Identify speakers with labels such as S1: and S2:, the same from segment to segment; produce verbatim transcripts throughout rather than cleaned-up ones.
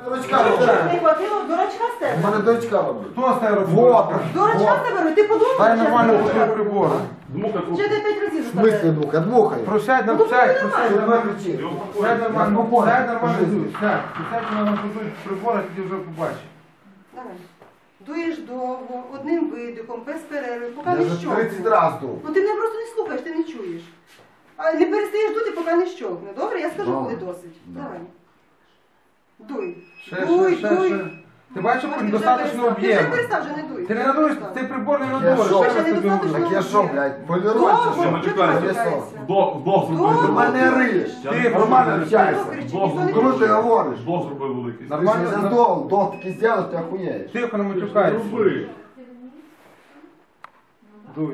S1: дурачка
S2: Чого
S1: робить.
S2: не хватило дурачка з
S1: У
S2: тебе?
S1: мене дочка робить.
S3: Хто з тебе робить?
S1: Вот.
S2: Дурачка з тебе, ти подумав?
S3: Дай
S2: що
S3: нормально
S2: це
S3: пустив
S2: дурачок?
S3: прибор.
S2: Ще ти п'ять разів
S1: В смислі
S2: заставляєш.
S1: дмухає? Дмухає.
S3: Просядь,
S2: Ну,
S3: на-
S2: то
S3: сядь,
S2: буде
S3: просядь,
S1: Що
S3: нормально.
S1: тебе кричить?
S3: Сядь нормально,
S1: Я
S3: сядь нормально,
S1: по
S3: дуй, сядь. Сядь, вона пустить прибор, а тоді вже побачиш.
S2: Давай. Дуєш довго, одним видихом, без перерви, поки
S1: Я
S2: не
S1: вже
S2: щовкне.
S1: тридцять разів дув.
S2: Ну ти мене просто не слухаєш, ти не чуєш. А не перестаєш дути, поки не щовкне. Добре? Я скажу,
S1: Добре.
S2: коли досить.
S1: Да.
S2: Давай. Дуй.
S3: Ще,
S2: дуй,
S3: ще, ще,
S2: дуй.
S3: ще. Ти бачиш,
S2: Ось
S3: що
S2: ти вже
S3: недостатньо
S2: перестав. Ти вже
S3: об'єму.
S2: перестав, вже не дуй.
S3: Ти не надуєш, цей прибор не
S1: Я
S3: надуєш.
S1: що?
S3: Ще раз
S2: Ще
S3: тобі
S2: недостатньо
S3: говорю.
S1: Так я що, блядь, поліруйся,
S2: Довго,
S1: що?
S2: чого ти
S4: Матюкайся.
S2: матюкаєшся?
S4: Вдох, вдох
S1: Ти
S4: зробив.
S1: в мене риєш.
S3: Ти нормально
S1: общайся.
S2: Хто кричить?
S4: Бог
S2: Ніхто не
S1: Коли ти
S2: кричить.
S1: говориш?
S4: Вдох зробив великий.
S1: Ти ж
S3: Нормально,
S1: не
S3: на-
S1: здох, вдох такий зробиш, ти охуєєш.
S3: Тихо, не матюкайся.
S4: Зроби.
S3: Дуй.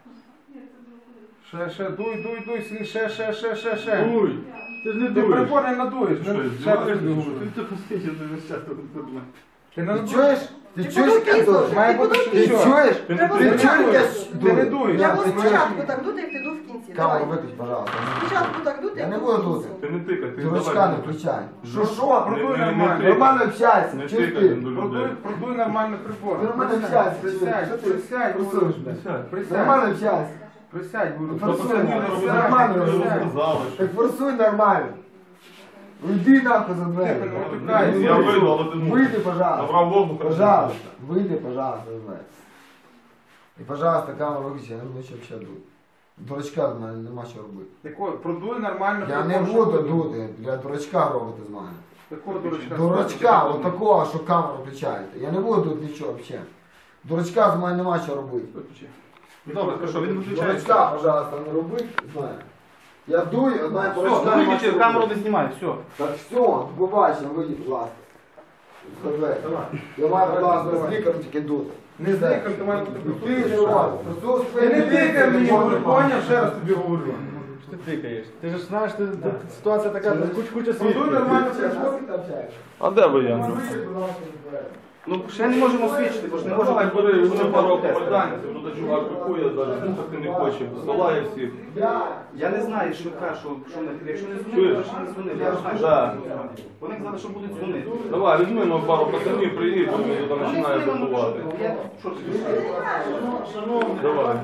S3: Ще, ще, дуй, дуй, дуй, сильніше, ще, ще, ще, ще, ще.
S4: Дуй. Ти ж не
S3: Ти
S4: дуєш.
S3: прибор не надуєш.
S4: Що,
S3: не- Ще
S4: здіваєшся,
S3: раз тобі
S4: що?
S3: говорю.
S4: Ти тихо сидиш, ти весь час тут тебе.
S3: Ти не
S1: Ти
S3: надуєш.
S1: чуєш? Ти
S2: Ти
S1: чуєш, як я
S2: подумай,
S1: душу?
S3: Має
S2: Ти
S3: бути
S2: подумай.
S1: Ти
S3: що?
S1: чуєш?
S4: Ти
S2: Треба
S1: Ти
S2: спочатку.
S1: чуєш, як я
S3: Ти не
S1: дую?
S3: дуєш.
S2: Треба
S1: Ти чуєш?
S2: спочатку так дути, як ти дув в кінці.
S1: Камеру
S2: Давай.
S1: виключ, пожалуйста.
S2: Спочатку так дути,
S1: Я
S2: як
S1: не
S2: ти
S1: буду
S2: дув в
S1: дути.
S2: кінці.
S4: Ти не тикай, ти
S1: Дурачка
S4: давай.
S1: не включай. Що,
S3: Що,
S1: що?
S3: продуй
S4: Не- не- не
S3: нормально.
S4: тикай.
S1: Нормально общайся.
S4: Не
S1: Чуєш
S4: тикай
S1: ти?
S4: до
S3: Продуй,
S4: людей.
S3: продуй нормально прибор.
S1: Ти нормально
S3: Присядь,
S1: общайся.
S3: присядь,
S1: Що ти
S3: присядь,
S1: присуєш,
S3: говорю.
S1: блядь?
S3: Присядь.
S1: Нормально общайся.
S3: Присядь, говорю.
S1: Ну,
S4: Та
S1: Форсуй,
S4: пацанів не
S1: нормально,
S4: робили.
S1: нормально
S4: Ми
S1: робили.
S4: сказали, що-
S1: Так форсуй нормально. Уйди нахуй за двері.
S3: Тихо, не матюкайся.
S4: Я вийду, але ти мусиш.
S1: Выйди, пожалуйста.
S4: Набрав воздуха.
S1: Пожалуйста. Выйди, пожалуйста, за двері. І, пожалуйста, камеру виключи, я не буду ще взагалі дути. Дурачка в мене нема що робити.
S3: Так от, продуй нормально
S1: Я не
S3: прибор,
S1: буду
S3: щоб-
S1: дути, для дурачка робити з мене.
S3: Такого дурачка.
S1: Дурачка, от такого, що камеру включаєте. Я не буду тут нічого взагалі. Дурачка з мене нема що робити.
S3: Виключи.
S4: Добре, хорошо, він виключається.
S1: Дурачка, пожалуйста, не робити, знаю. Я дую, одна
S4: Все,
S1: дурачка.
S4: ну
S1: нема
S4: виключи,
S1: що
S4: камеру
S1: робити.
S4: не знімай, все.
S1: Так все, побачимо, вийдіть, будь ласка. Давай. Я маю, будь ласка, з лікарем тільки дути.
S3: Не зникай, ти має бути
S1: Ти не
S3: присутній.
S1: робиш.
S3: Ти не тикай мені, говорю, поняв, ще раз тобі говорю.
S5: Що ти тикаєш? Ти ж знаєш, ти, ти, ситуація така, куч, куча
S3: Продуй
S5: світу.
S3: нормально
S1: Ти
S3: прибор.
S4: А де ви, Андрю?
S5: Ну, ще не можемо свідчити, бо ж не
S4: Не
S5: можемо.
S4: можу, бери, вони пару попаданців, ну та чувак пакує, навіть слухати не хоче, посилає всіх.
S5: Я не знаю, що каже, що, що не, якщо не дзвонили,
S4: Чуєш?
S5: то ще не дзвонили. Я ж знаю, що
S4: Да.
S5: вони казали, що будуть дзвонити.
S4: Давай, візьми ну, пару пацанів, приїдь, бо він там починає забувати.
S5: Я- Що ти пишеш?
S4: Давай.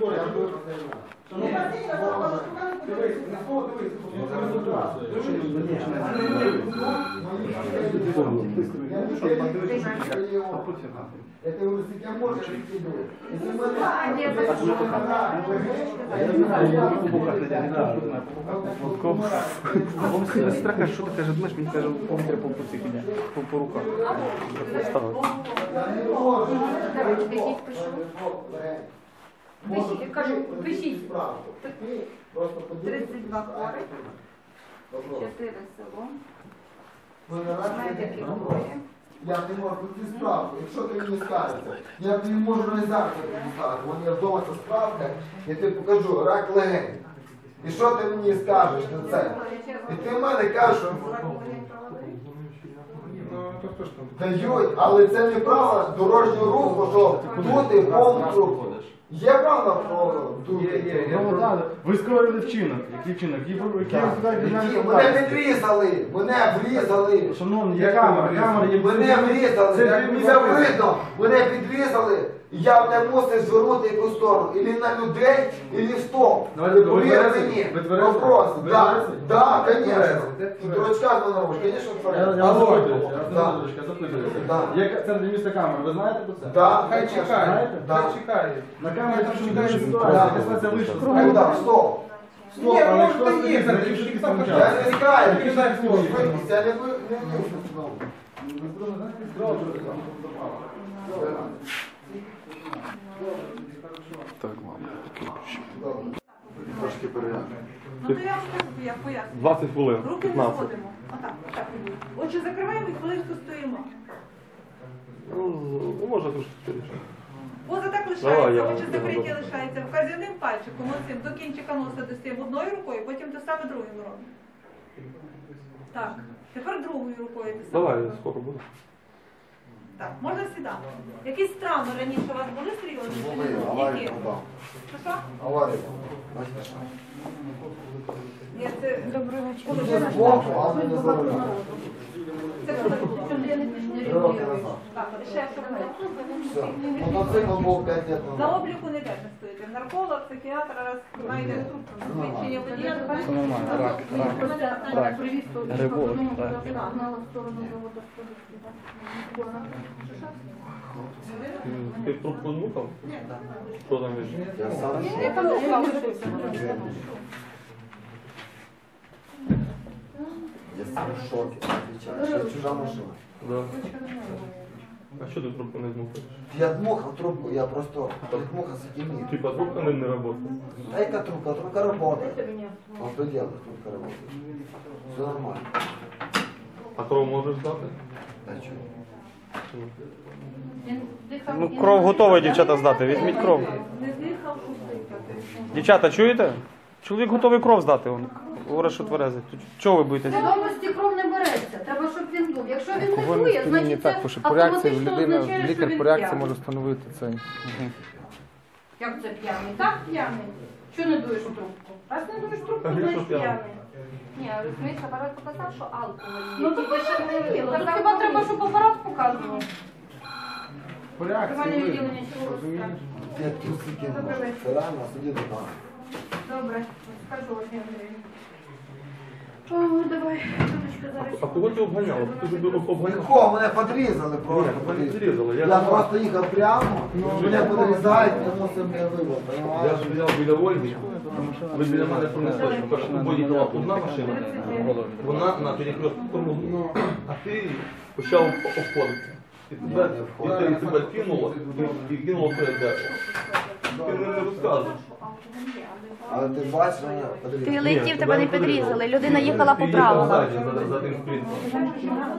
S1: Я тебе говорю, скільки можна, скільки дує. Якщо в мене-
S5: Сестра каже, що ти каже, думаєш, мені каже, повітря по цих іде, по, по руках.
S1: Я не можу.
S6: Пишіть, пишу. Пишіть, кажу, пишіть.
S1: Просто подивись.
S6: тридцять два хворих, чотири село.
S1: Ви не раз
S6: Знаєте,
S1: таке
S6: які
S1: вопрос.
S6: хворі?
S1: Я не можу тут справку. Якщо ти мені скажеш, я тобі можу не зараз тобі сказати. У мене вдома ця справка, я тобі покажу, рак легень. І що ти мені скажеш на це? І ти в мене кажеш, що
S3: Ну, то хто ж там?
S1: дають, але це не право дорожнього руху, що дути повністю. Є право про дути?
S3: Є, є, є.
S5: Ну, да, ви скоїли вчинок. Який вчинок? Який ви- який ви туди
S1: Які?
S5: державні
S1: Мене
S5: служби?
S1: відрізали, мене врізали.
S5: Шановні, є
S3: Як
S5: камера,
S3: ви
S5: камера є.
S1: Мене врізали,
S5: Це
S1: це
S5: місце.
S1: видно, мене підрізали, і я не мусив звернути якусь сторону, ілі на людей, ілі в стовп.
S3: Давайте, ви
S1: Повір
S3: тверезий?
S1: мені,
S3: Ви тверезий?
S1: вопрос,
S3: Ви
S1: да,
S3: тверезий?
S1: да,
S3: Ви
S1: конечно.
S3: тверезий? Де
S1: І
S3: тверезий?
S1: дурачка з мене робиш, конечно,
S5: Я,
S1: тверезий.
S5: я
S3: Алло.
S5: вас запитую, я вас
S1: Да.
S5: запитую, я запитую.
S1: Да.
S5: Є в центрі міста камера, ви знаєте про це?
S1: Да,
S3: Хай
S1: конечно.
S3: чекає,
S1: Да.
S3: хай чекає.
S5: На камері там чекає
S1: Да.
S5: ситуація, ситуація вийшла.
S1: Ну да, стоп.
S5: Стоп,
S3: Ні,
S5: але
S3: може,
S5: хто
S3: то
S5: стоїть,
S3: є,
S5: за
S3: так,
S5: швидкість
S3: так, так,
S5: помчав?
S1: Я не тікаю,
S3: Тільки дай слово.
S1: швидкість, я не ви- не вийшов знову. Трошки перегляну.
S2: Ну то я вам скажу, як поясню.
S4: двадцять хвилин.
S2: Руки не
S4: п'ятнадцять.
S2: зводимо. Отак, так. Отже, закриваємо і хвилинку стоїмо.
S4: Ну, може трошки скоріше.
S2: Поза так
S4: Давай,
S2: лишається,
S4: я
S2: очі
S4: вам
S2: закриті
S4: скажу.
S2: лишається. Вказівним пальчиком оцим до кінчика носа достаємо одною рукою, потім те саме другою робимо. Так. Тепер другою рукою те саме.
S4: Давай, скоро буде.
S2: Так, можна сідати. Якісь травми раніше у вас були серйозні? чи
S1: Були,
S2: ні?
S1: аварію
S2: Які?
S1: попав.
S2: Що що?
S1: Аварію. Бачите, що?
S2: Ні, це доброго
S1: Це збоку, а не ззовні.
S2: Це коли було?
S1: все. Мотоцикл був п'ять років
S2: За
S1: назад.
S2: обліку не теж не стоїте. Нарколог, психіатр, раз знайде трубку. Свідчення водія, то
S5: Це нормально, рак, рак, рак, грибок, рак.
S4: Ти трубку нюхав? Що там є?
S1: Я сам в
S6: Я там ушла уже.
S1: Я сам в шокі, отвечаю, що чужа машина.
S4: Да. А що ти трубку не змухаєш?
S1: Я дмухав трубку, я просто дмухав сатимир.
S4: Типа трубка не, не працює.
S1: А яка трубка? Трубка работает. А что делать? Трубка работает. Все нормально.
S4: А кров можеш здати?
S1: Да что?
S5: Ну, кров готова, дівчата, здати. Візьміть кров.
S2: не з'їхав, пустий.
S5: Дівчата, чуєте? Чоловік готовий кров здати. Он говорить, що тверезий. То чого ви боїтесь?
S6: Свідомості кров не береться, треба, щоб він був. Якщо він не
S5: Алкогольне
S6: дує,
S5: сп'яніння
S6: значить
S5: так,
S6: це
S5: тому що по реакції
S6: автоматично
S5: людина,
S6: означає, що
S5: лікар
S6: він
S5: по реакції
S6: п'яний.
S5: може встановити це. Мгм.
S6: Як це п'яний? Так п'яний. Що не дуєш у трубку? Раз не дуєш трубку,
S4: А він
S6: значить
S4: що п'яний?
S6: п'яний.
S7: Ні, розумієш, апарат показав, що алкоголь є.
S6: Ну то пише не віло. Так хіба треба, щоб апарат показував?
S3: По реакції
S6: Тривання
S3: видно.
S6: відділення чого
S3: Розумієш?
S1: Я трусы кинул. Це реально сидит дома.
S6: Добре, скажу Ольгі Андріївні. О, давай, Дудочка, зараз.
S4: А кого ти обганяла? Ти ж обганяла.
S1: Легко, мене подрізали просто.
S4: Ні, мене
S1: подрізали.
S4: зрізали. Я,
S1: Я просто їхав прямо, мене подрізають, я мусив мене вивод,
S4: я
S1: понимаєш?
S4: ж взяв біля Ольги. Ви біля мене пронесли, що перша поїхала одна машина. Вона на перекрестку тормознула. А ти почав обходити. І тебе, і те- і тебе кинуло, і, і кинуло перед дерево. Ти мені не розказуєш.
S1: Але ти бачиш, мене
S7: Ти
S1: подрізали.
S7: летів, тебе не підрізали, людина їхала
S4: Ти
S7: по
S4: їхав
S7: правилам.
S4: ззаді, за, за тим спринтом.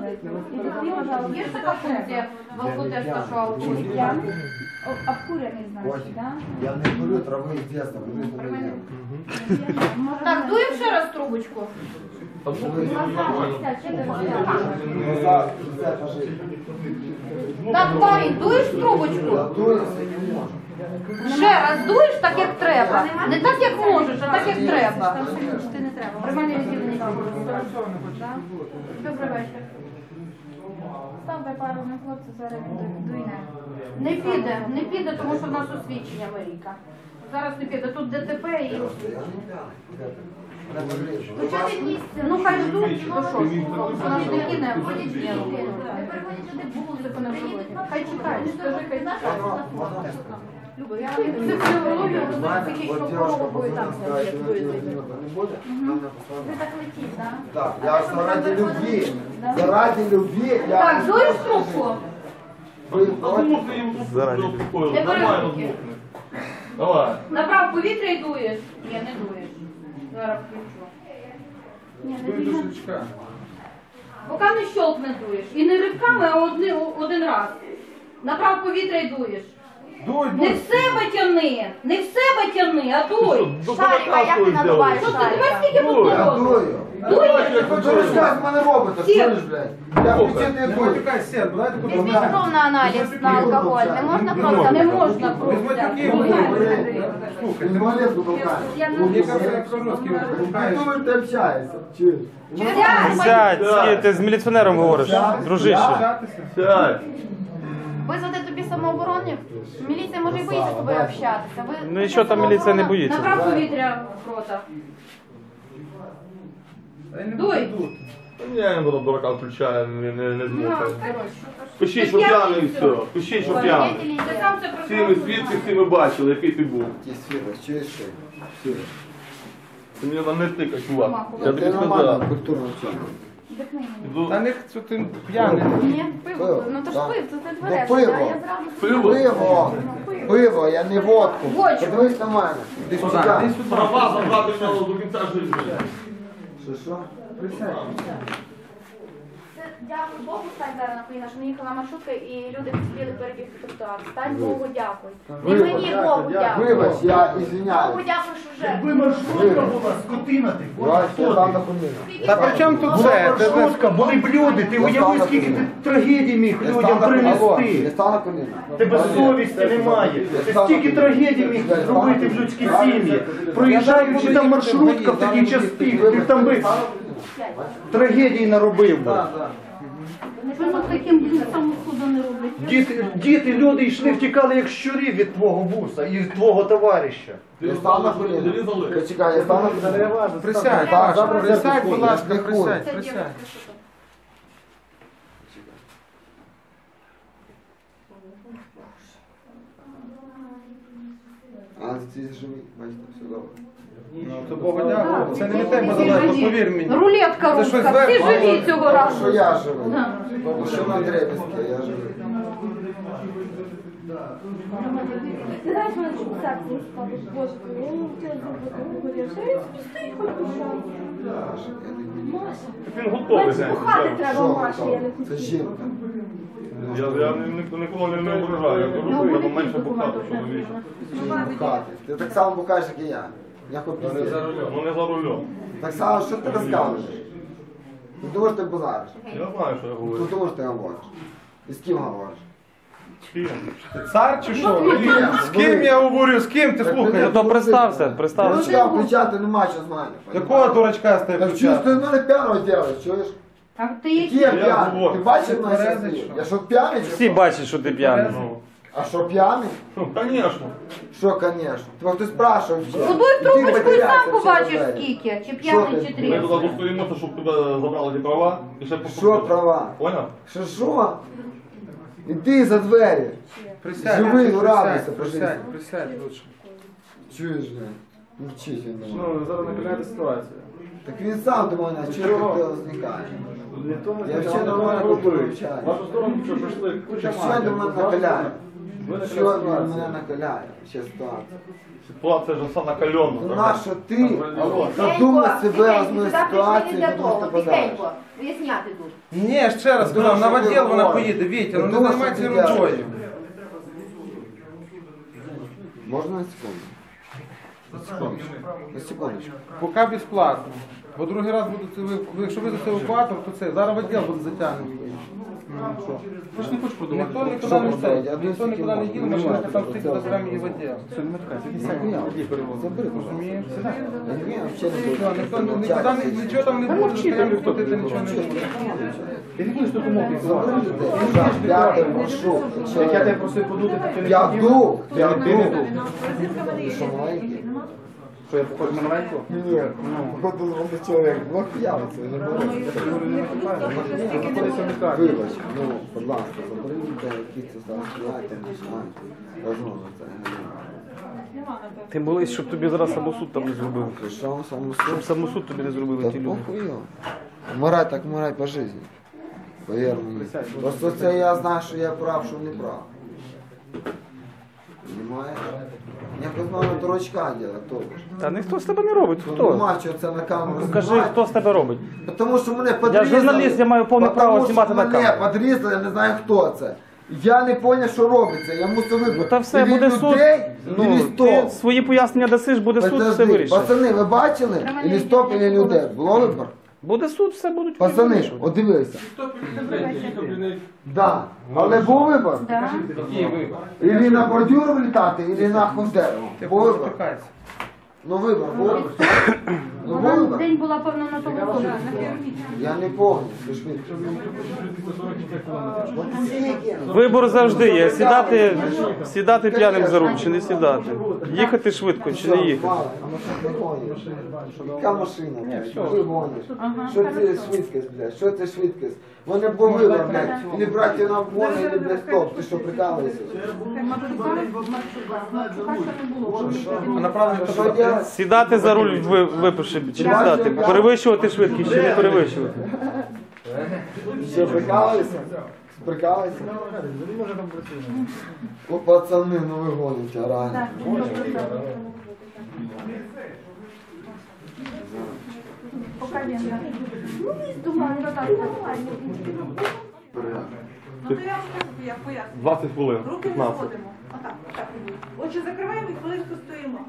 S6: Є ж така функція в алкотесту, що алкоголь п'яний?
S7: Обкурений,
S1: Ось, я не курю трави з дитинства, курю не їм.
S6: Так, дуємо ще раз трубочку.
S4: А ну, нормально.
S1: Назад, все, кажи.
S6: Так, парень, дуєш в
S1: Я
S6: трубочку?
S1: дуюся і не можу.
S6: Ще раз дуєш так, як треба. Не так, як можеш, а так, як треба.
S7: Ти не треба.
S6: Приймальне відділення. Добрий вечір.
S7: Ставте пару на хлопця, зараз дуйне.
S6: Не піде, не піде, тому що в нас освідчення Марійка. Зараз не піде. Тут ДТП і...
S1: Просто я не п'яний. Мене подрізали.
S6: Ну, чого від місця? Ну, хай ждуть, то що ж, хлопці, нас не кине, ходять ні, ну, кинуть. Музику не вживати. Хай чекають, скажи, хай чекають.
S1: Воно, воно не скаже.
S6: Люба, я психологію,
S1: Знаєте,
S6: психічну
S1: от девушка
S6: хворобу і
S1: позвонила,
S6: там.
S1: сказала, что на тебе не будет, она мне
S7: Ви
S1: послала.
S7: так летіть, так?
S1: Так, я заради любви, заради любви, я...
S6: Так, дуєш трубку?
S1: Вы
S4: А
S1: против?
S4: змухни їм
S5: Заради.
S4: успокоїли.
S6: Не
S4: Нормально
S6: перезвуки.
S4: змухни. Давай.
S6: Набрав повітря і дуєш? Ні, не дуєш. Зараз включу.
S3: Дуй до шлючка.
S6: Поки не щолкне дуєш. І не ривками, а одни, один раз. Набрав повітря і дуєш.
S3: Дуй,
S6: Не
S3: дуй.
S6: в себе тяни, не в себе тяни, а дуй.
S7: Шарика, як ти надуваєш
S6: Що ти тебе
S7: шарика?
S6: скільки тут
S1: Я
S6: народу?
S1: дую.
S6: Дуєш?
S1: Ви що розказ мене робите, чуєш, блядь? Я включити не
S3: Не
S1: буду.
S3: матюкай, сер, давайте тут
S7: Візьміть
S3: розмовляємо.
S7: кров на аналіз на алкоголь. Не можна кров
S6: Не
S7: забрати?
S6: можна кров
S3: Візьми такі,
S6: взяти.
S3: слухай,
S1: Ти малетку толкаєш.
S6: Я не
S3: мені кажуть, як по-русски
S1: Ти
S3: толкаєш.
S1: думаєш, ти общаєшся, чуєш?
S5: Сядь, скільки ти з міліціонером говориш, дружище.
S3: Общатися.
S4: Сядь.
S7: Визвати тобі самооборонів? Міліція може і боїться з тобою общатися. Ви-
S5: Ну і що там міліція не боїться?
S6: Набрав повітря в рота.
S3: Та й не
S6: Дуй.
S3: буду.
S4: Я йому до дурака включаю, не, не, не
S6: На,
S4: змухай.
S6: коротше.
S4: Пиши, що п'яний і все. Пиши, що п'яний.
S6: Ти сам це
S4: Всі ми свідки, всі ми бачили, який ти був.
S1: Ті сфіри, чуєш що? Все.
S4: Ти мені там не тикай, чувак. Я
S1: Ти
S4: тобі
S1: нормально,
S4: сказав.
S1: культурно вчинив.
S4: Іду-
S3: Та не що ти п'яний.
S7: Ні, пиво. Ну то ж
S1: Так.
S7: пив, це не
S1: Ну,
S7: твереш.
S1: пиво.
S7: Я зразу...
S4: Пиво?
S1: Пиво, пиво, я не водку.
S6: Водку.
S1: Подивись на мене. Ти
S3: Сюди,
S1: сюди.
S3: іди сюди.
S4: Права забрати в нього до кінця життя.
S1: Що, що?
S3: Присядь.
S7: Це, дякую Богу, стань зараз на коліна, що не їхала маршрутка і люди спіли перебігти тротуар. Стань Богу, дякуй. Не
S1: Вибач,
S7: мені Богу дякуй.
S1: Вибач, я
S7: Богу
S1: извиняюсь.
S7: дякую, що вже.
S8: Якби маршрутка була, скотина ти,
S1: Вась, я там на
S8: була
S1: коліна.
S5: Та при чому тут це? Ти знаєш,
S8: маршрутка, були б люди, ти уяви, скільки ти трагедій міг
S1: Я
S8: людям
S1: став на коліна. Я
S8: принести.
S1: став на коліна.
S8: Тебе совісті немає. Ти стільки трагедій міг зробити в людській сім'ї. Проїжджаючи там маршрутка в такий час пік, ти б там би трагедії наробив би.
S3: Так, так.
S6: Що за таким блюдцем суду не роблять?
S8: Діти, діти, люди йшли, втікали як щурі від твого вуса і від твого товариша.
S1: Я став на коліна. Почекай, я став на коліна.
S3: Присядь,
S1: Так,
S3: Паша,
S1: зараз
S3: присядь,
S1: я
S3: будь ласка,
S1: не хуй.
S3: присядь,
S2: Це
S3: присядь.
S2: дівчинка, що там.
S1: А, ці живі, бачите, все добре.
S3: Ну, то Бога дякую. Це не від тебе залежно, повір мені.
S6: Рулетка
S3: Це щось
S6: руська, всі
S3: зверху.
S6: живі цього
S1: Що
S6: разу.
S1: я живий?
S6: Да.
S1: Ну, що на дребезки, я живий.
S7: Ти знаєш, мене чому серце не складеш? Боже, я не хотіла зробити горіш. Я стій, хоч пішов. Маша.
S9: Він готовий.
S7: Менше пухати треба,
S1: Що?
S7: Маша, я не
S1: Це жінка.
S9: Я, я ні- ніколи не, не ображаю. Я кажу, що треба менше пухати чоловіче.
S1: Бухати. Ти так само бухаєш, як і я. Я хоч
S9: Ну не
S1: пізніше.
S9: за рулем. Ну не за рулем.
S1: Так само, що ти розказуєш? Ти думаєш, ти базариш?
S9: Я знаю, що я
S1: Ти
S9: говорю.
S1: думаєш, ти говориш? І з ким говориш?
S9: Ким?
S3: Ти цар чи що?
S1: ні,
S3: З ким я говорю, з ким ти
S1: Так
S3: слухай?
S5: Ну то представся, представся.
S1: Дурачка включати нема що знати.
S3: Якого дурачка з тебе
S1: Так чуєш, ти
S3: включати?
S1: в мене п'яного робиш, чуєш?
S6: А ти
S1: Які
S6: які?
S1: я
S9: Я
S1: п'яний?
S9: говорю.
S1: Ти бачив мене
S3: Тверезий,
S1: щасливий?
S3: що?
S1: Я що п'яний? чи
S5: Всі
S1: що?
S5: бачать, що ти п'яний.
S9: Ну,
S1: А що п'яний?
S9: ну, звісно.
S1: Що, конечно? Тебе хтось спрашивав ще.
S6: Подуй
S1: І ти
S6: трубочку і
S1: потерявся
S6: сам
S1: в цій
S6: побачиш
S1: двері.
S6: скільки, чи
S1: Що
S6: п'яний,
S1: ти?
S6: чи
S9: Ми
S6: три.
S9: туди достоїмося, щоб тебе забрали ті права і ще
S1: Що
S9: покупили.
S1: права?
S9: Поняв?
S1: Що що? Іди за двері.
S3: Присядь,
S1: Живий,
S3: присядь,
S1: радуйся по
S3: присядь,
S1: житті.
S3: присядь лучше.
S1: Чуєш, не? Мовчить він до мене.
S3: Ну, зараз накаляти ситуацію.
S1: Так він сам до мене, чого ти зникає? Я ще нормально буду вивчати.
S9: Вашу сторону що прийшли.
S1: Так що він до мене накаляє? Що він мене накаляє? Ще ситуація.
S9: Ситуація ж все накальона.
S1: Ну нащо ти задумай себе з моєю ситуацією,
S7: для
S1: тому
S7: того,
S1: що подариш?
S7: тихенько, виясняти тут.
S3: Ні, ще раз сказав, на
S1: Думаю, що
S3: відділ
S1: ти
S3: вона
S1: говориш.
S3: поїде, Вітя, ну не
S1: Думаю,
S3: займайся
S1: що ти
S3: рукою.
S1: говориш. Можна на секунду? На секундочку. На секундочку.
S3: Поки безплатно. Бо другий раз буде це, ви- ви- якщо вийдете евакуатор, то це, зараз відділ буде затягнутий. Ну, що? Ви ж не хочеш подумати. Ніхто нікуди
S1: Що
S3: не
S1: продавати?
S3: йде,
S1: Я
S3: ніхто
S1: думаю,
S3: нікуди не
S1: скільки
S3: їде,
S1: можна.
S3: машина там
S1: Немає.
S3: стоїть, заберемо її в відділ. Все, не матюкайся, іди сядь.
S1: Забери, пожалуйста.
S3: Розумієш? Сідай.
S1: Ні, взагалі не
S3: Все,
S1: буду.
S3: ніхто ні- нікуди не- нічого там не буде, стояти платити нічого не буде. Які ж документи?
S1: Забери людей. Я п'ятий маршрут.
S3: Як я тебе просив подути, так ти не
S1: Я
S3: хотів?
S1: дух, я
S3: Ти не
S1: дух.
S3: дух.
S2: Розетка в мене є.
S1: Що, маленький?
S3: Що, я похож на маленького?
S1: Ні, походу молодий чоловік. Ну, п'явиться, не
S2: Ну,
S1: буде.
S2: якщо не буду, то вже стільки не
S3: Заходися в
S2: буде.
S3: лікарню.
S1: Вибач, ну, будь ласка, забери людей, які це зараз стоять, не знають. Розумно це.
S2: Нема, напевно.
S5: Ти молись, щоб тобі зараз самосуд там не зробили.
S1: Ти що, саму
S5: Щоб самосуд тобі не зробили
S1: Та
S5: ті люди.
S1: похуй його. Вмирай так вмирай по житті. Повір мені. Просто це я знаю, що я прав, що не прав. Понимаєш? Якось мало дурачка делать, то ж.
S5: Та ніхто з тебе не робить.
S1: Ну,
S5: Хто?
S1: нема чого це на камеру
S5: Кажи,
S1: знімати.
S5: хто з тебе робить.
S1: Тому що мене подрізали.
S5: журналіст, я маю повне
S1: Потому
S5: право
S1: що
S5: знімати на
S1: мене
S5: камеру.
S1: подрізали, я не знаю хто це. Я не зрозумів, що робиться, я мусив вибрати.
S5: Ну та все,
S1: Ілі
S5: буде суд.
S1: людей,
S5: Ну,
S1: ілі
S5: ти
S1: стоп.
S5: свої пояснення дасиш, буде суд, все
S1: Подожди,
S5: вирішить.
S1: пацани, ви бачили? Ілі стоп, ілі людей. Було вибор?
S5: Буде суд, все будуть
S1: Пацани,
S5: вирішувати.
S1: от дивися. Да. Але був вибор.
S6: Да.
S3: Який вибор?
S1: Ілі на бордюр влітати, ілі на Хондеру.
S3: Ти
S1: Був вибор.
S3: почекайся.
S1: Ну вибор, був. Ну був
S6: Вона
S1: вибор.
S6: день була, певно, на тому вулиці.
S1: Я не пам'ятаю, що швидко. От скільки?
S5: Вибор завжди є. Сідати, сідати п'яним за руль чи не сідати. Їхати швидко чи не їхати.
S1: Мало, а машина не гониш. Яка машина? Що ти гониш? Що це швидкість, блядь? Що це швидкість? Вони був вибор, блядь. Ілі брати на вгон, ілі, блядь, стоп. Ти що, прикалуєшся?
S3: А направлення
S1: Що
S3: туди.
S1: делать?
S5: Сідати за руль, ви- випивши, чи не сідати. Перевищувати швидкість чи не перевищувати.
S1: Що, прикалуєшся? Прикалуєшся? О, пацани, ну ви гоните, реально.
S6: Поки він. Ну, думаю, що так.
S2: Ну, то я вам кажу, я поясню.
S9: двадцять хвилин.
S2: Руки не
S9: п'ятнадцять.
S2: зводимо. Отак, так. Очі закриваємо і хвилинку стоїмо.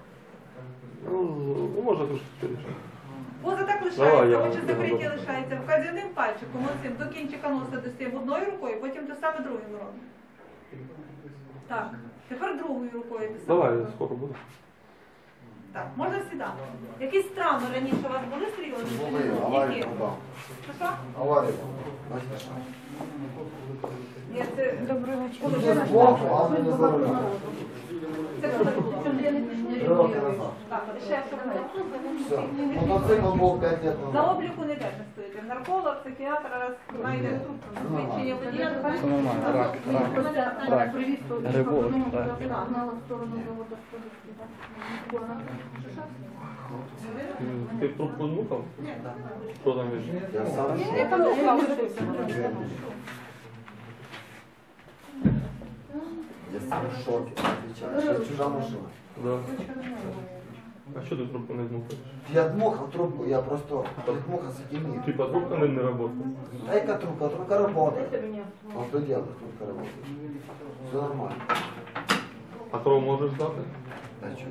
S9: Ну, можна трошки скоріше.
S2: Поза так
S9: Давай,
S2: лишається,
S9: я
S2: очі
S9: вам
S2: закриті
S9: скажу.
S2: лишається. Вказівним пальчиком оцим до кінчика носа достаємо одною рукою, потім те саме другим робимо. Так. Тепер другою рукою те саме.
S9: Давай, скоро буде.
S2: Так, можна сідати. Якісь травми раніше у вас були серйозні?
S1: Були,
S2: Які?
S1: аварія попав.
S2: Що що?
S1: Аварія. Бачите, що?
S2: Ні, це доброго
S1: Це збоку, а не за рулем.
S2: Це коли було?
S1: Роки назад.
S2: Так, ще що
S1: Все. Мотоцикл був п'ять років
S2: на
S1: назад.
S2: обліку не теж стоїте. Нарколог, психіатр, раз знайде трубку. Свідчення водія.
S5: Це нормально, рак, рак, рак. Грибок, так.
S4: Ти трубку нюхав? Що там є?
S1: Я сам
S6: Я там ушла уже.
S1: Я сам в шокі, отвечаю. Ще чужа машина.
S4: Да. А що ти трубку не змухаєш?
S1: Я дмухав трубку, я просто дмухав сатимир.
S4: Типа трубка не, не работает.
S1: А яка трубка? Трубка работает. А что делать? Трубка работает. Все нормально.
S4: А кров можеш здати?
S1: Да что?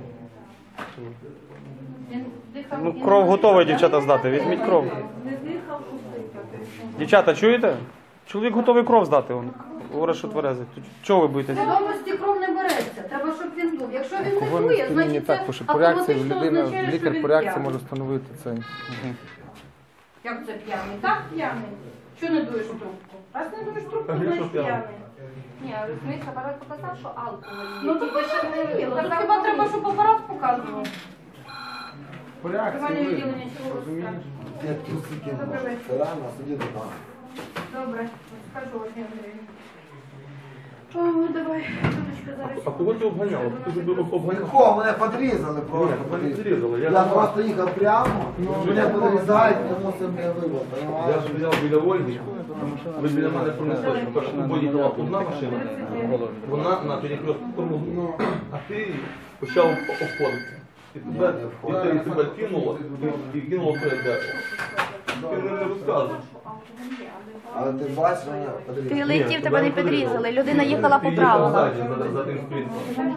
S5: Ну, кров готова, дівчата, здати. Візьміть кров.
S2: Не дихав, пустий.
S5: Дівчата, чуєте? Чоловік готовий кров здати. Он говорить, що тверезий. То чого ви боїтеся?
S6: Свідомості кров не береться, треба, щоб він дув. Якщо він не
S3: Алкогольне
S6: дує,
S3: сп'яніння
S6: значить
S3: так,
S6: це
S3: тому що по реакції
S6: автоматично
S3: людина,
S6: означає, що
S3: лікар
S6: він
S3: по реакції
S6: п'яний.
S3: може встановити це. Мгм.
S6: Як це п'яний? Так п'яний. Що не дуєш трубку? Раз не дуєш трубку,
S4: А він
S6: значить
S4: що п'яний?
S6: п'яний.
S7: Ні, розумієш, апарат показав, що алкоголь є.
S6: Ну тут пише не віло. Тут хіба треба, щоб апарат показував?
S3: По
S6: Тривання
S3: реакції ви
S6: відділення чого
S3: розумієте?
S1: Я трусы кинул. Ты рано сиди дома.
S6: Добре, скажу Ольгі Андріївні. О, давай, Тудочка, зараз.
S4: А кого ти обганяв? Ти ж об- обганяв?
S1: Легко, мене подрізали просто.
S4: Ні, мене не зрізали. Я,
S1: Я просто їхав прямо, мене подрізають, я мусив мене вибити,
S4: я
S1: понимаєш?
S4: ж взяв біля Ольги. Ви біля мене пронесли. Перша у їхала одна машина. Вона на перекрестку тормознула. А ти почав обходити. І тебе, і те- і тебе кинуло, і, і кинуло перед дерево. Ти не, не розказуєш.
S1: Але ти бачиш, мене
S7: Ти
S1: подрізали.
S7: летів, тебе не підрізали, людина їхала
S4: Ти
S7: по
S4: їхав
S7: правилам.
S4: ззаді, за, за тим спринтом.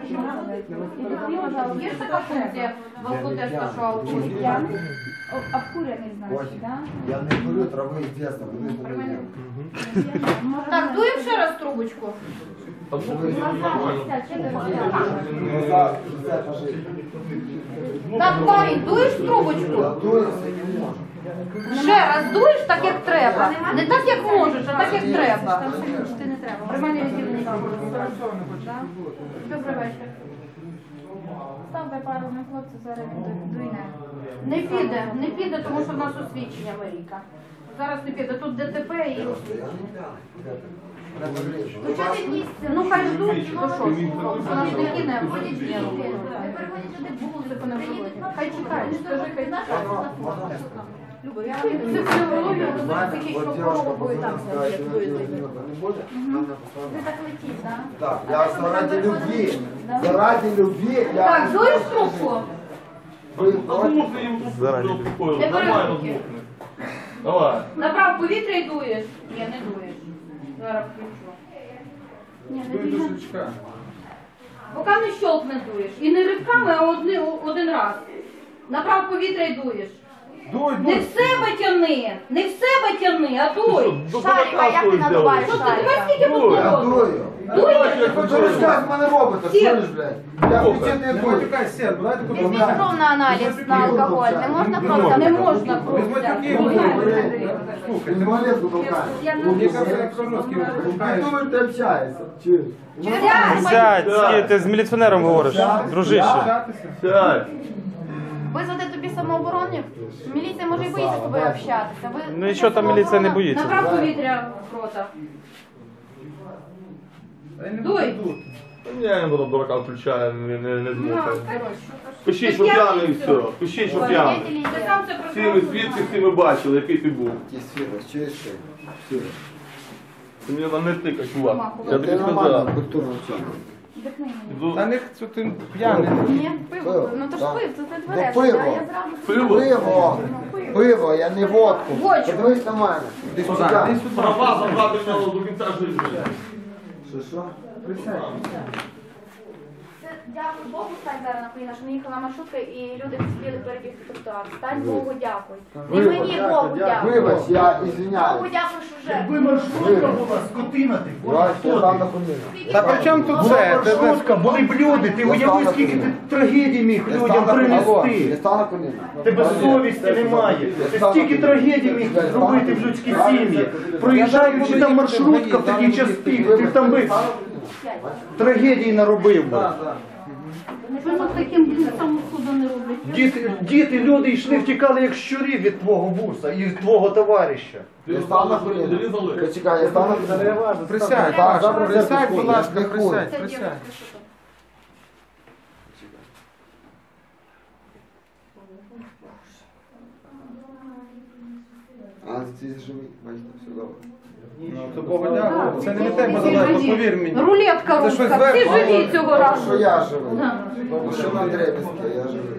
S6: Є ж така функція в алкотесту, що алкоголь п'яний?
S7: Обкурений,
S1: Ось, я не курю трави з дитинства, вони не їм.
S6: Так, дуємо ще раз трубочку.
S4: А ну, ви нормально.
S1: Назад, назад, пожи.
S6: Так, парень, дуєш в
S1: Я
S6: трубочку?
S1: дуюся і не можу.
S6: Ще раз дуєш так, як треба. Не так, як можеш, а так, як треба.
S7: Ти не треба.
S6: Приймання відділення. Добрий вечір.
S7: Став би пару на хлопця, зараз він дуйне.
S6: Не піде, не піде, тому що в нас освідчення Марійка. Зараз не піде. Тут ДТП і...
S1: Просто я не п'яний. Мене подрізали.
S6: Ну, час якийсь, ну хай ждуть, то що? У нас такі не ходять ні.
S7: Не переходять туди
S6: Музику не вживати. Хай чекають, скажи, хай
S1: Можна, можна не
S6: Люба, я психологію,
S1: Знаете,
S6: психічну
S1: вот девушка
S6: хворобу і там
S1: позвонила, сказала, что
S6: як
S1: она
S6: дуєте.
S1: не будет, она
S7: Ви
S1: послала.
S7: так летіть, так?
S1: Так, я заради любви, заради любви, я...
S6: Так, дуєш трубку?
S1: Вы
S4: А
S1: против?
S4: змухни їм
S5: Заради.
S4: успокоїли.
S6: Не
S4: Нормально
S6: перезвуки.
S4: змухни. Давай.
S6: Набрав повітря і дуєш? Ні, не дуєш. Зараз включу.
S7: Ні, не
S3: Дуй до
S7: бігай.
S3: щелчка.
S6: Поки не щолкне дуєш. І не ривками, а одни, один раз. Набрав повітря і дуєш.
S3: Дуй,
S6: Не
S3: дуй.
S6: в себе тяни, не в себе тяни, а дуй.
S4: До
S7: Шарика, як ти
S4: кулака
S7: надуваєш
S6: Що ти тебе
S7: шарика?
S6: скільки
S4: Дуй.
S6: тут
S1: Я
S6: було?
S1: дую.
S6: Дуєш?
S1: Ви що зараз мене робите, чуєш, блядь? Я включити не
S3: Не
S1: буду.
S3: матюкай, сер, давайте тут
S7: Візьміть кров на аналіз на алкоголь. Не можна кров
S6: Не
S7: забрати?
S6: можна кров
S3: Без матюків.
S6: взяти.
S3: Слухай,
S1: Ти малетку толкаєш.
S3: мені кажуть, як Кожновський
S1: Ти
S3: випускаєш.
S1: думаєш, ти общаєшся, чуєш?
S5: Сядь, сядь, ти з міліціонером говориш, дружище.
S4: Сядь.
S7: Визвати тобі самооборонів? Міліція може і боїться з тобою общатися. Ви-
S5: Ну і що там міліція не боїться?
S6: Набрав повітря в рота. Дуй.
S4: Я йому до дурака включаю, не, не, не
S6: На,
S4: змухай.
S6: коротше.
S4: Пиши, що п'яний і все. Пиши, що п'яний.
S6: Ти сам це
S4: Всі ми
S6: прекрасно
S4: свідки, всі ми бачили, який ти був.
S1: Якийсь фірус, чуєш ти? Фірус.
S4: Ти мені там не тикай, чувак. Я
S1: Ти
S4: тобі
S1: нормально,
S4: сказав.
S1: культурно вчити.
S4: Іду.
S3: Та не що ти п'яний.
S7: Ні, пиво. Ну то ж
S1: Да.
S7: пив, це ти
S1: Ну,
S7: твереш.
S1: пиво.
S7: Я я зразу...
S4: Пиво.
S1: Пиво, пиво, я не водку.
S6: Водку.
S1: Подивись на мене. Ти сюди.
S4: Права забрати в нього до кінця життя.
S1: Що, що?
S3: Присядь.
S6: дякую Богу, стань зараз на коліна, що не їхала маршрутка і люди не спіли перебігти тротуар. Стань Богу, дякуй. І мені Богу дякуй.
S1: Вибач, я
S6: Богу
S1: извиняюсь.
S6: дякую, що вже.
S8: Якби маршрутка була, скотина ти,
S1: Давай,
S8: хто
S1: я
S8: ти?
S1: там на коліна.
S3: Та при чому тут
S8: Була
S3: це? Ти- ти-
S8: маршрутка, були б люди, ти уяви, скільки ти трагедій міг
S1: Я
S8: людям
S1: став на коліна. Я
S8: принести.
S1: став на коліна.
S8: Тебе совісті немає. Ти стільки трагедій міг зробити в людській сім'ї. Проїжджаючи там маршрутка в такий час пік, ти б там би трагедії наробив би.
S6: Ви таким близькому суду не роблять.
S8: Діти, діти, люди йшли, втікали як щурі від твого буса і від твого товариша.
S1: Я став на коліна. Почекай, я став на коліна.
S3: Присядь,
S1: Так,
S3: Паша,
S1: добре,
S3: присядь,
S1: це
S3: будь ласка,
S1: не
S3: присядь,
S6: Це
S3: присядь.
S6: дівчинка, що то?
S1: А, ти живий, бачите, все добре.
S3: Ну, то Богу дякую. Це не від тебе залежно, повір мені.
S6: Рулетка
S3: Це щось
S6: руська, всі
S3: зверху.
S6: живі цього
S1: Тому
S6: разу.
S1: що я живий.
S6: Да.
S1: Тому що на дребезке я живий.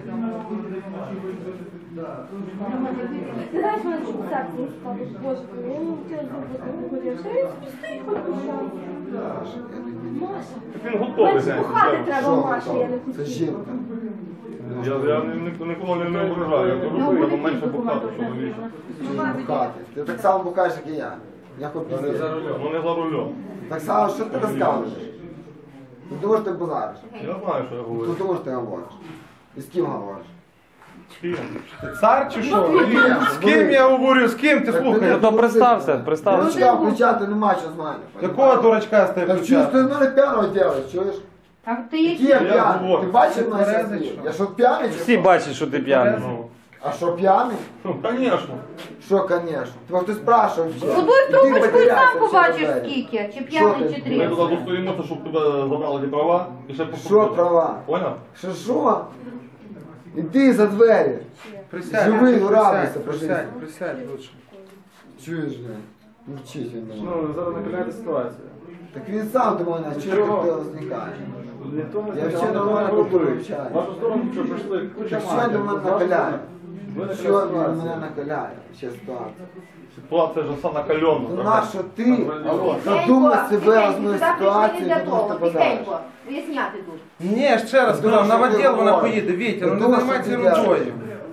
S7: Ти знаєш, мене чуть серце не стало. Боже, я не хотіла зробити горіше. Я собі стою, хоч пишаюся. Маша.
S9: Він готовий.
S7: Мене
S9: знаєте,
S7: спухати
S9: це-
S7: треба, Маша, я не
S1: Це
S7: хотіла.
S1: жінка.
S9: Я, я ні- ніколи не, не ображаю, я кажу, що треба менше бухати, чоловіче.
S1: Бухати. Ти так само бухаєш, як і я. Я хоч
S9: Ну
S1: піздець.
S9: не за рулем.
S1: Так само, що ти розказуєш? Ти думаєш, ти базариш?
S9: Я знаю, що я
S1: Ти
S9: говорю.
S1: думаєш, ти говориш? І з ким говориш?
S9: Ким?
S3: Цар чи що? З ким я говорю, з ким ти слухаєш?
S5: Ну то представся, представся.
S1: Дурачка включати нема що знати.
S3: Якого дурачка з тебе
S1: Так чуєш, ти
S3: включати?
S1: в мене п'яного робиш, чуєш?
S6: А ти
S1: Який я
S6: які?
S1: п'яний?
S9: говорю.
S1: Ти бачив мене
S3: Тверезий,
S1: щас?
S3: що?
S1: Я що п'яний? чи
S5: Всі
S1: що?
S5: бачать, що ти п'яний.
S9: Ну,
S1: А що п'яний?
S9: ну, звісно.
S1: Що, конечно? Тебе хтось спрашивав ще.
S6: Подуй
S1: І ти
S6: трубочку і
S1: потерявся
S6: сам
S1: через
S6: побачиш
S1: двері.
S6: скільки, чи
S1: Що
S6: п'яний,
S1: ти?
S6: чи
S9: Ми
S6: три.
S9: туди достоїмося, щоб тебе забрали ті права і ще
S1: Що
S9: покрутили.
S1: права?
S9: Поняв?
S1: Що що? Іди за двері.
S3: Присядь,
S1: Живий, ну, радуйся,
S3: присядь,
S1: пожалуйста.
S3: присядь, присядь лучше.
S1: Чуєш, не? Мовчить він до мене.
S3: Ну, зараз накаляти ситуацію.
S1: Так він сам до мене, чого ти возникає? Я взагалі нормально говорю, общаюсь.
S3: Вашу сторону що прийшли?
S1: Так що він до мене накаляє? Що він мене накаляє? Ще ситуація.
S9: Ситуація ж все накальона.
S1: Ну нащо ти задумай себе одну ситуацію, і тому що подаєш?
S6: Виясняти тут.
S3: Ні, ще раз сказав, на відділ вона поїде, Вітя, ну не
S1: Думаю,
S3: займайся
S1: що ти
S3: рукою.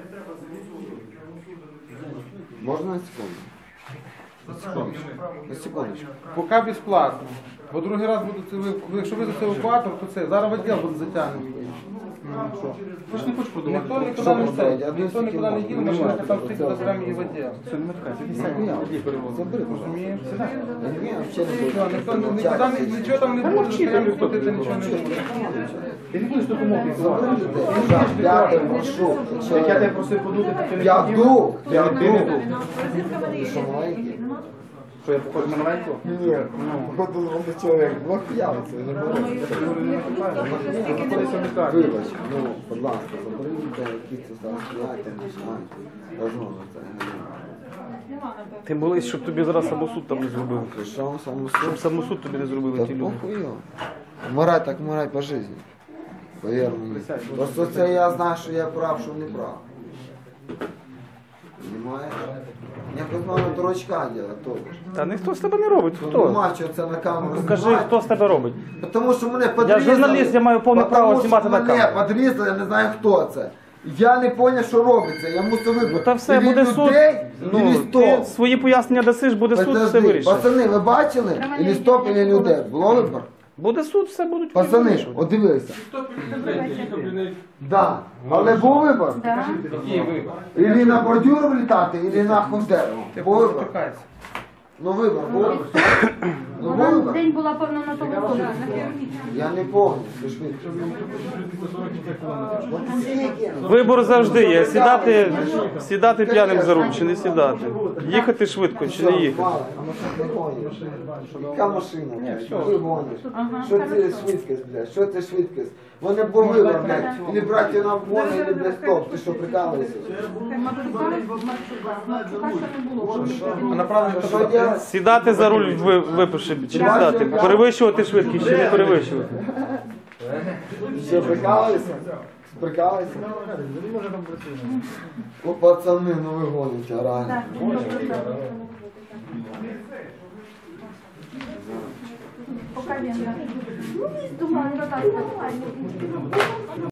S1: Можна на секунду? На секундочку. На секундочку.
S3: Поки безплатно. Бо другий раз буде це, ви- якщо ви за це евакуатор, то це, зараз відділ буде затягнений. Ну, що? Ви ж не хочеш подумати. Ніхто нікуди не
S1: Що
S3: це,
S1: робити? Я
S3: ніхто нікуди не їде, ми ще там всіх заберемо її в відділ.
S1: Забери,
S3: Розумієш?
S1: Ні, взагалі не
S3: Все,
S1: буду.
S3: ніхто не- нікуди не- нічого там не буде, стояти платити нічого не буде.
S1: Забери людей. Я п'ятий маршрут.
S8: Як я тебе просив подути, так ти не
S1: Я
S8: хотів?
S1: дух, я
S8: Ти не
S1: дух.
S8: дух.
S1: Ти що, маленький?
S8: Що я похож на маленького?
S1: Ні, походу молодий чоловік. Двох п'явиться, не може. Вибач, ну, будь ласка, забери людей, які це зараз стоять, не знають. Розмовно це не
S2: Нема, напевно.
S5: Ти молись, щоб тобі зараз самосуд там не зробив.
S1: Ти що, саму
S5: Щоб самосуд тобі не зробили
S1: Та
S5: ті люди.
S1: похуй. Вмирай так вмирай по житті. Повір мені. Просто це я знаю, що я прав, що не прав. Понимаєш? Якось мало дурачка делать, то.
S5: Та ніхто з тебе не робить.
S1: Ну,
S5: Хто?
S1: нема чого це на камеру
S5: Покажи,
S1: знімати.
S5: хто з тебе робить.
S1: Тому що мене подрізали.
S5: журналіст, я маю повне
S1: Потому
S5: право
S1: що
S5: знімати на
S1: мене
S5: камеру.
S1: подрізали, я не знаю хто це. Я не зрозумів, що робиться, я мусив вибрати.
S5: Ну та все,
S1: Ілі
S5: буде суд.
S1: людей,
S5: Ну,
S1: ілі
S5: ти
S1: стоп.
S5: свої пояснення дасиш, буде суд, все
S1: Подожди,
S5: вирішить.
S1: пацани, ви бачили? Ілі стоп, ілі людей. Було вибор?
S5: Буде суд, все будуть
S1: Пацани,
S5: вирішувати.
S1: от дивися. Да. Але був вибор.
S6: Да.
S1: Ілі на бордюр влітати, ілі нахуй в дерево.
S3: Ти
S1: Був вибор.
S3: спікайся.
S1: Ну вибор був. Ну був
S6: Вона
S1: вибор.
S6: день була певно на тому вулиці.
S1: Я не пам'ятаю, що швидко. От скільки?
S5: Вибор завжди є. Сідати, сідати п'яним за руль чи не сідати. Їхати швидко чи не їхати.
S1: Мало, а машина не гониш. Яка машина? Ти гониш. Що це швидкість, блядь? Що це швидкість? Вони був вибор, блядь. Ілі брати на вгон, ілі, блядь, стоп. Ти що, прикалуєшся?
S3: А направлення
S1: Що
S3: туди.
S1: делать?
S5: Сідати за руль, ви- випивши, чи не сідати. Перевищувати швидкість чи не перевищувати.
S1: Що, прикалуєшся? Прикалуєшся? О, пацани, ну ви гоните, реально.
S6: Поки він.
S7: Ну, місто має, так, нормально.